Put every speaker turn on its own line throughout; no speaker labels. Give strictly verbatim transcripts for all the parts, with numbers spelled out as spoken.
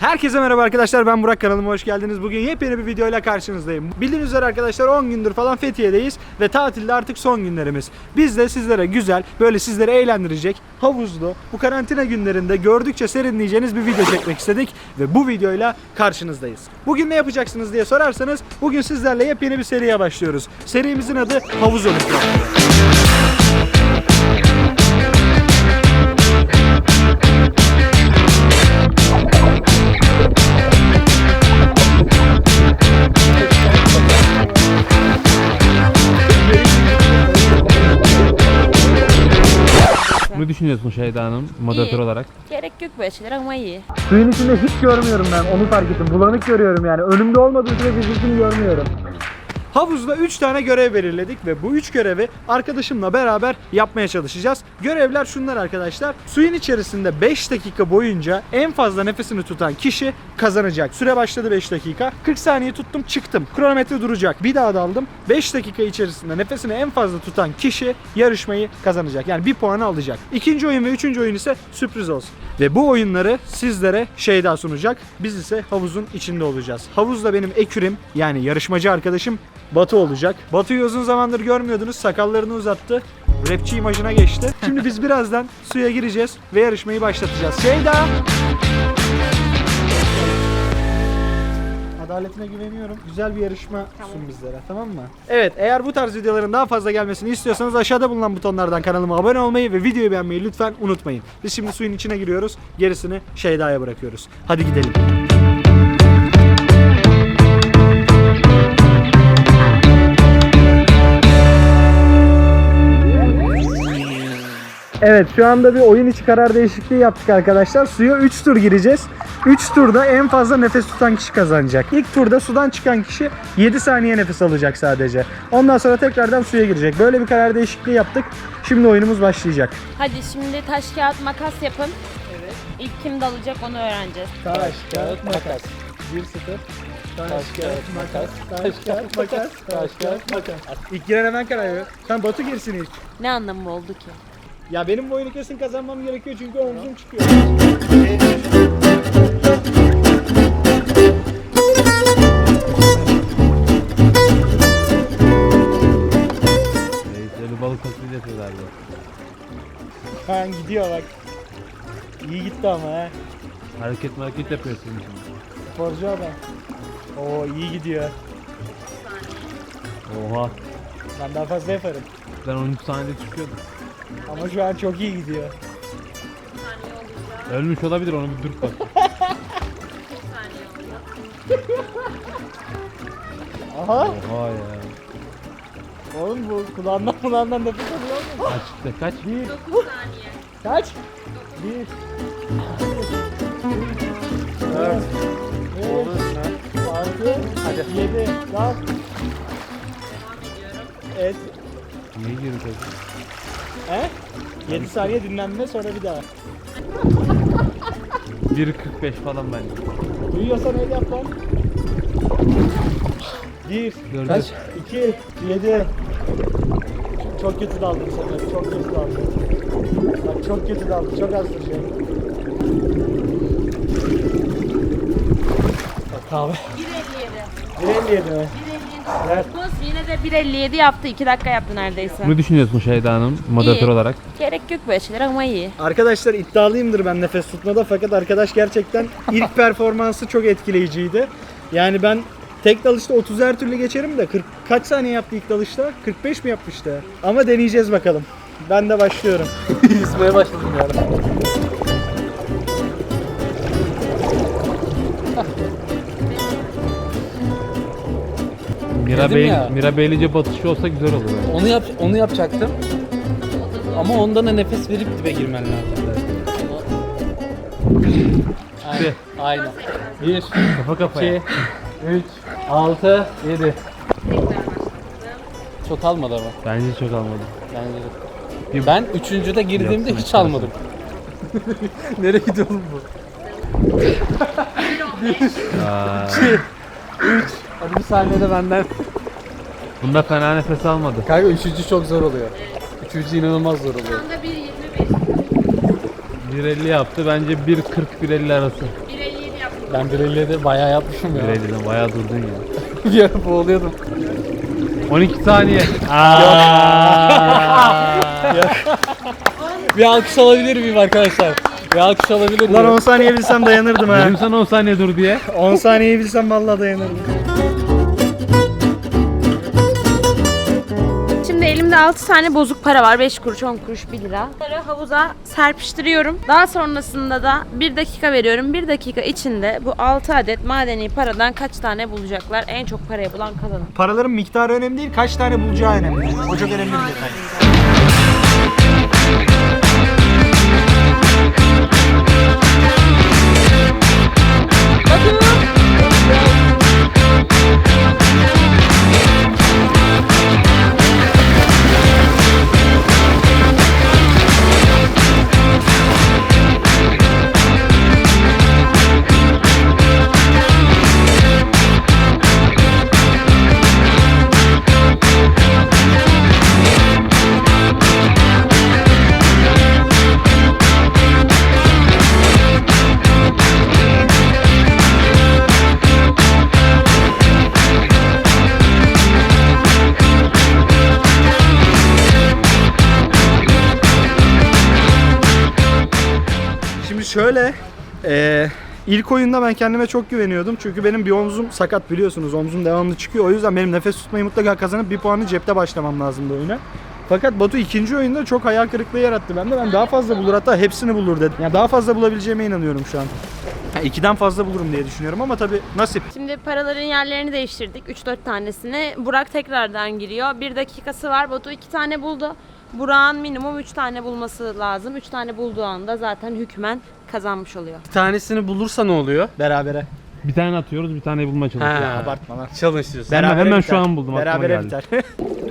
Herkese merhaba arkadaşlar, ben Burak, kanalıma hoş geldiniz. Bugün yepyeni bir videoyla karşınızdayım. Bildiğiniz üzere arkadaşlar on gündür falan Fethiye'deyiz ve tatilde artık son günlerimiz. Biz de sizlere güzel, böyle sizleri eğlendirecek, havuzlu, bu karantina günlerinde gördükçe serinleyeceğiniz bir video çekmek istedik ve bu videoyla karşınızdayız. Bugün ne yapacaksınız diye sorarsanız, bugün sizlerle yepyeni bir seriye başlıyoruz. Serimizin adı Havuz Olimpiyatları.
Ne düşünüyorsun Şeyda Hanım moderatör
İyi.
olarak?
Gerek yok böyle şeyler ama iyi.
Suyun içinde hiç görmüyorum ben, onu fark ettim. Bulanık görüyorum yani. Önümde olmadığı sürece yüzünü görmüyorum. Havuzda üç tane görev belirledik ve bu üç görevi arkadaşımla beraber yapmaya çalışacağız. Görevler şunlar arkadaşlar. Suyun içerisinde beş dakika boyunca en fazla nefesini tutan kişi kazanacak. Süre başladı beş dakika. kırk saniye tuttum, çıktım. Kronometre duracak. Bir daha daldım. beş dakika içerisinde nefesini en fazla tutan kişi yarışmayı kazanacak. Yani bir puanı alacak. İkinci oyun ve üçüncü oyun ise sürpriz olsun. Ve bu oyunları sizlere Şeyda sunacak. Biz ise havuzun içinde olacağız. Havuzda benim ekürim, yani yarışmacı arkadaşım Batu olacak. Batu'yu uzun zamandır görmüyordunuz. Sakallarını uzattı. Rapçi imajına geçti. Şimdi biz birazdan suya gireceğiz ve yarışmayı başlatacağız. Şeyda! Adaletine güveniyorum. Güzel bir yarışma
Tamam.
sun bizlere, tamam mı? Evet, eğer bu tarz videoların daha fazla gelmesini istiyorsanız aşağıda bulunan butonlardan kanalıma abone olmayı ve videoyu beğenmeyi lütfen unutmayın. Biz şimdi suyun içine giriyoruz. Gerisini Şeyda'ya bırakıyoruz. Hadi gidelim. Evet, şu anda bir oyun içi karar değişikliği yaptık arkadaşlar. Suya üç tur gireceğiz. üç turda en fazla nefes tutan kişi kazanacak. İlk turda sudan çıkan kişi yedi saniye nefes alacak sadece. Ondan sonra tekrardan suya girecek. Böyle bir karar değişikliği yaptık. Şimdi oyunumuz başlayacak.
Hadi şimdi taş kağıt makas yapın. Evet. İlk kim dalacak onu öğreneceğiz.
Taş, kağıt, makas. bir sıfır. Taş, kağıt, makas. Taş, kağıt, makas. Taş, kağıt, makas. İlk giren hemen karar veriyor. Sen Batu girsin ilk.
Ne anlamı oldu ki?
Ya benim bu oyunu kesin kazanmam gerekiyor çünkü omzum çıkıyor.
Reisleri balık taklidi yapıyor galiba.
Ha, gidiyor bak. İyi gitti ama he.
Hareket hareket yapıyorsun şimdi.
Sporcu adam. Oo, iyi gidiyor.
Oha.
Ben daha fazla yaparım.
Ben on üç saniyede çıkıyordum.
Ama şu an çok iyi gidiyor.
Ölmüş olabilir, onu bir dur bak.
Aha.
Oha ya.
Oğlum bu kulağından kulağından nefes alıyor mu?
Kaç kaç?
Bir.
dokuz saniye.
Kaç? Bir. Dört. Beş. Altı. Hadi. Yedi. Dört. Evet.
Niye girdi?
He? yedi saniye dinlenme, sonra bir daha.
bir kırk beş falan bence.
Duyuyorsan öyle yap lan. Bir.
Dördü.
Kaç? İki. Yedi. Çok kötü daldı bu sefer. Çok kötü daldı. Bak çok kötü daldı. Çok az duracak. Bak kahve.
bir elli yedi.
bir elli yedi mi? Evet.
Buz yine de bir elli yedi yaptı. iki dakika yaptı neredeyse.
Ne düşünüyorsun Şeyda Hanım moderatör
İyi.
olarak?
Gerek yok böyle şeyler ama iyi.
Arkadaşlar iddialıyımdır ben nefes tutmada, fakat arkadaş gerçekten ilk performansı çok etkileyiciydi. Yani ben tek dalışta otuz her türlü geçerim de kırk kaç saniye yaptı ilk dalışta? kırk beş mi yapmıştı? Ama deneyeceğiz bakalım. Ben de başlıyorum. Yüzmeye başladım yani.
Mira
Dedim
Bey,
ya.
Mira Beylice batışı olsa güzel olur. Yani.
Onu yap, onu yapacaktım. Ama ondan da nefes verip dibe girmen lazım. Aynen. Aynen. Bir,
Kafa kafaya.
iki, üç, altı, yedi. Çok almadı ama.
Bence çok almadı.
Bence de. Ben üçüncüde girdiğimde
Yapsın,
hiç almadım. Nereye gidiyor oğlum bu?
Aa,
Hadi bir saniyede benden.
bunda fena nefes almadı.
Kanka üçüncü çok zor oluyor. Üçüncü inanılmaz zor oluyor.
Şu anda bir yirmi beş.
bir elli yaptı. Bence bir kırk bir elli arası.
bir elli yedi yaptı.
Ben Pirelli'de bayağı yapmışım ya.
Pirelli'den bayağı durdun ya.
Bir ara boğuluyordum.
on iki saniye.
Bir alkış alabilir miyim arkadaşlar? Bir alkış alabilir miyim?
Lan on saniye bilsem dayanırdım ha.
Dedim sana on saniye dur diye.
on saniyeyi bilsem vallahi dayanırdım.
Şimdi elimde altı tane bozuk para var. beş kuruş, on kuruş, bir lira. Bunları havuza serpiştiriyorum. Daha sonrasında da bir dakika veriyorum. bir dakika içinde bu altı adet madeni paradan kaç tane bulacaklar? En çok parayı bulan kazanır.
Paraların miktarı önemli değil, kaç tane bulacağı önemli. O çok önemli bir detay. Şimdi şöyle, e, ilk oyunda ben kendime çok güveniyordum. Çünkü benim bir omzum sakat biliyorsunuz. Omzum devamlı çıkıyor. O yüzden benim nefes tutmayı mutlaka kazanıp bir puanı cepte başlamam lazımdı oyuna. Fakat Batu ikinci oyunda çok hayal kırıklığı yarattı bende. Ben daha fazla bulur, hatta hepsini bulur dedim. Yani daha fazla bulabileceğime inanıyorum şu an. Yani ikiden fazla bulurum diye düşünüyorum ama tabii nasip.
Şimdi paraların yerlerini değiştirdik. üç dört tanesini. Burak tekrardan giriyor. Bir dakikası var. Batu iki tane buldu. Burak'ın minimum üç tane bulması lazım. üç tane bulduğu anda zaten hükmen kazanmış oluyor.
Bir tanesini bulursa ne oluyor?
Berabere.
Bir tane atıyoruz, bir tane bulmaya çalışıyoruz.
Ha.
Abartma lan.
Challenge diyorsun.
Ben hemen
biter.
şu an buldum, aklıma
Berabere
geldi.
biter.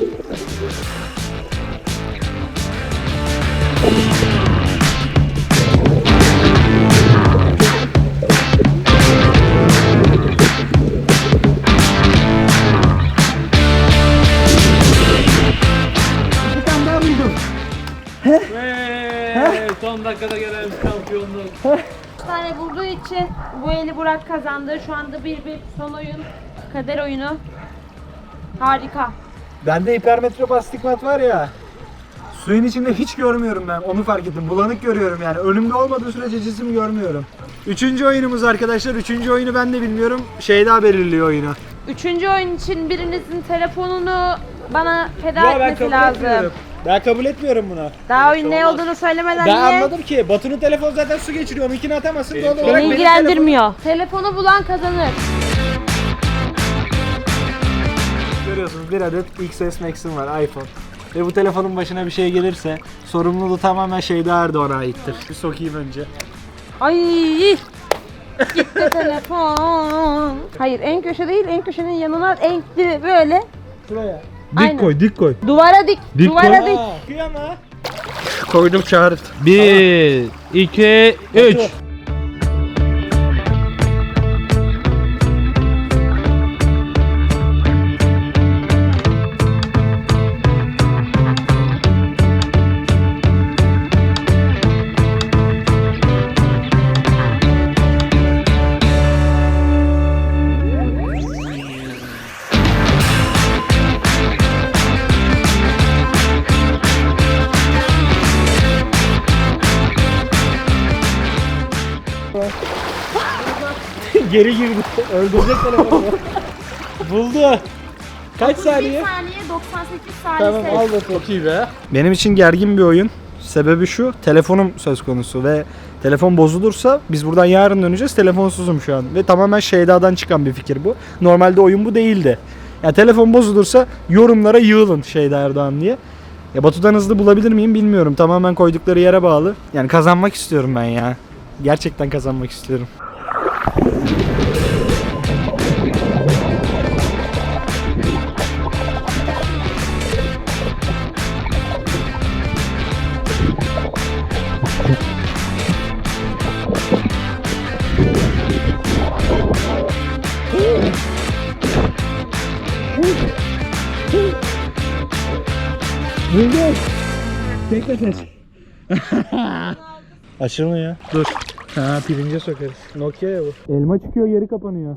Hey, son dakikada gelen şampiyonluk.
üç tane bulduğu için bu eli Burak kazandı. Şu anda bir bir son oyun. Kader oyunu. Harika.
Bende hipermetrop astigmat var ya. Suyun içinde hiç görmüyorum ben. Onu fark ettim. Bulanık görüyorum yani. Önümde olmadığı sürece cisim görmüyorum. Üçüncü oyunumuz arkadaşlar. Üçüncü oyunu ben de bilmiyorum. Şeyda belirliyor oyunu.
Üçüncü oyun için birinizin telefonunu bana feda etmesi lazım.
Ben kabul etmiyorum bunu.
Daha oyun ne olduğunu söylemeden
Ben
niye?
anladım ki Batu'nun telefonu zaten su geçiriyor. Onunkini atamazsın. Doğal olarak
Beni
benim
ilgilendirmiyor. Telefonu bulan kazanır.
telefonum- Görüyorsunuz bir adet X S Max'im var, iPhone. Ve bu telefonun başına bir şey gelirse sorumluluğu tamamen Şeyda Erdoğan'a aittir. Bir sokayım önce.
Ay! Gitti telefon. Hayır en köşe değil, en köşenin yanına en böyle.
Şuraya.
Aynen.
koy, dik koy.
Duvara dik.
Dik
duvara
koy.
dik.
Kıyama. Koydum çağır.
bir, iki, üç.
Geri girdi. Öldürecek telefonu. Buldu. Kaç saniye?
bir saniye doksan sekiz
Tamam
saniye.
al bakalım. Çok iyi be. Benim için gergin bir oyun. Sebebi şu, telefonum söz konusu ve telefon bozulursa biz buradan yarın döneceğiz. Telefonsuzum şu an ve tamamen Şeyda'dan çıkan bir fikir bu. Normalde oyun bu değildi. Yani telefon bozulursa yorumlara yığılın Şeyda Erdoğan diye. Ya Batu'dan hızlı bulabilir miyim bilmiyorum. Tamamen koydukları yere bağlı. Yani kazanmak istiyorum ben ya. Gerçekten kazanmak istiyorum. Buldum. Bekle ses. Açılmıyor. Dur. Ha pirince sokarız. Nokia ya bu. Elma çıkıyor geri kapanıyor.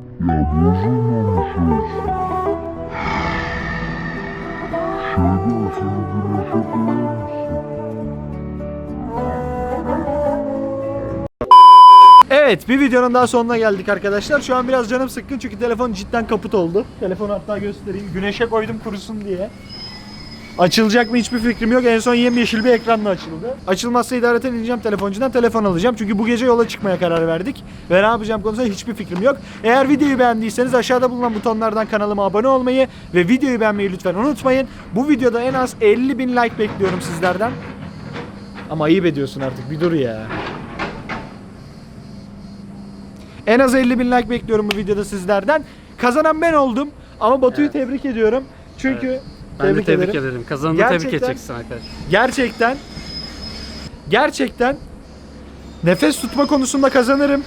Evet, bir videonun daha sonuna geldik arkadaşlar. Şu an biraz canım sıkkın çünkü telefon cidden kaput oldu. Telefonu hatta göstereyim. Güneşe koydum kurusun diye. Açılacak mı hiçbir fikrim yok. En son yemyeşil bir ekranla açıldı. Açılmazsa idareten ineceğim telefoncudan, telefon alacağım. Çünkü bu gece yola çıkmaya karar verdik. Ve ne yapacağım konusunda hiçbir fikrim yok. Eğer videoyu beğendiyseniz aşağıda bulunan butonlardan kanalıma abone olmayı ve videoyu beğenmeyi lütfen unutmayın. Bu videoda en az elli bin like bekliyorum sizlerden. Ama ayıp ediyorsun artık, bir dur ya. En az elli bin like bekliyorum bu videoda sizlerden. Kazanan ben oldum. Ama Batu'yu
Evet.
tebrik ediyorum. Çünkü
Ben de tebrik
ederim.
ederim. Kazanını
Gerçekten-
tebrik edeceksin arkadaş.
Gerçekten gerçekten nefes tutma konusunda kazanırım.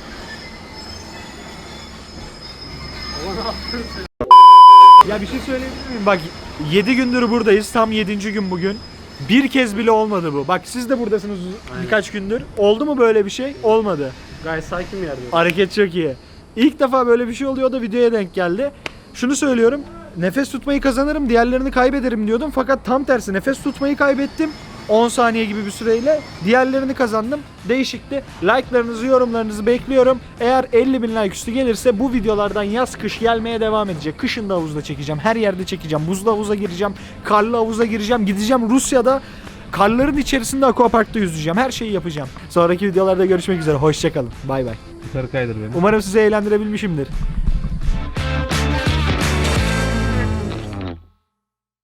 Ya bir şey söyleyebilir miyim? Bak yedi gündür buradayız. Tam yedinci gün bugün. Bir kez bile olmadı bu. Bak siz de buradasınız
Aynen.
birkaç gündür. Oldu mu böyle bir şey? Olmadı.
Gayet sakin bir yerde.
Hareket çok iyi. İlk defa böyle bir şey oluyor, o da videoya denk geldi. Şunu söylüyorum. Nefes tutmayı kazanırım, diğerlerini kaybederim diyordum. Fakat tam tersi, nefes tutmayı kaybettim. on saniye gibi bir süreyle. Diğerlerini kazandım. Değişikti. Like'larınızı, yorumlarınızı bekliyorum. Eğer elli bin like üstü gelirse bu videolardan yaz kış gelmeye devam edecek. Kışın da havuzda çekeceğim. Her yerde çekeceğim. Buzlu havuza gireceğim. Karlı havuza gireceğim. Gideceğim Rusya'da. Karların içerisinde aquaparkta yüzeceğim. Her şeyi yapacağım. Sonraki videolarda görüşmek üzere. Hoşçakalın. Bay bay.
Yukarı kaydır beni.
Umarım sizi eğlendirebilmişimdir.